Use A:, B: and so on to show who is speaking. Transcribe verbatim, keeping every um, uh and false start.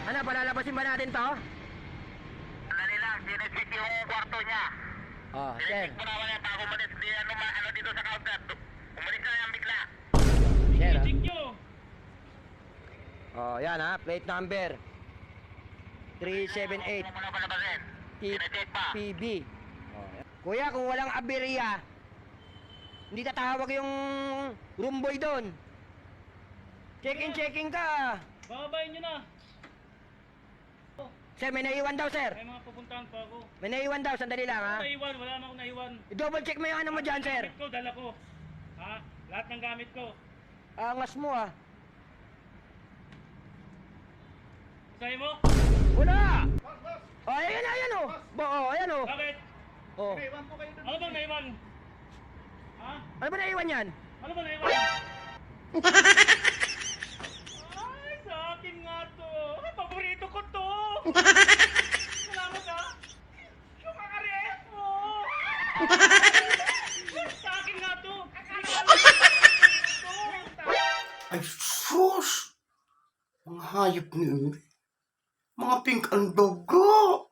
A: Ano, palalabasin ba natin to?
B: Sandali lang, sinecheck yung kwarto niya.
A: Oh, sir.
B: Sinecheck mo naman yan bago umalis. Di ano, ma, ano dito sa counter. Umalis na yan bigla.
A: Sir, ah.
C: Check nyo.
A: Oh, yan ha, plate number three seven eight
B: Huwag mo na palabasin. Sinecheck pa.
A: P B. Oh, yan. Kuya, kung walang aberya, hindi tatawag yung room boy doon. Check-in, check-in ka.
C: Bababayin nyo na.
A: Sir, may naiwan daw, sir.
C: May mga pupuntahan pa ako.
A: May naiwan daw, sandali lang ha.
C: Naiwan, wala na akong naiwan.
A: I-double check mo yung ano mo dyan, sir.
C: Gamit ko, dala ko. Ha? Lahat ng gamit ko.
A: Angas mo ah.
C: Sabi mo?
A: Wala! Oh, ayan, ayan oh. Bo, oh, ayan oh.
C: Bakit?
A: Oh.
C: Ano bang naiwan? Ha?
A: Ano ba naiwan yan?
C: Ano ba naiwan? Ay, sa akin nga to. Ay, paborito ko to. Salamat ha. Yung kakareas mo. Sa akin nga to.
D: Ay, sus! Mga hayop niyo. Mga pink ang dugo.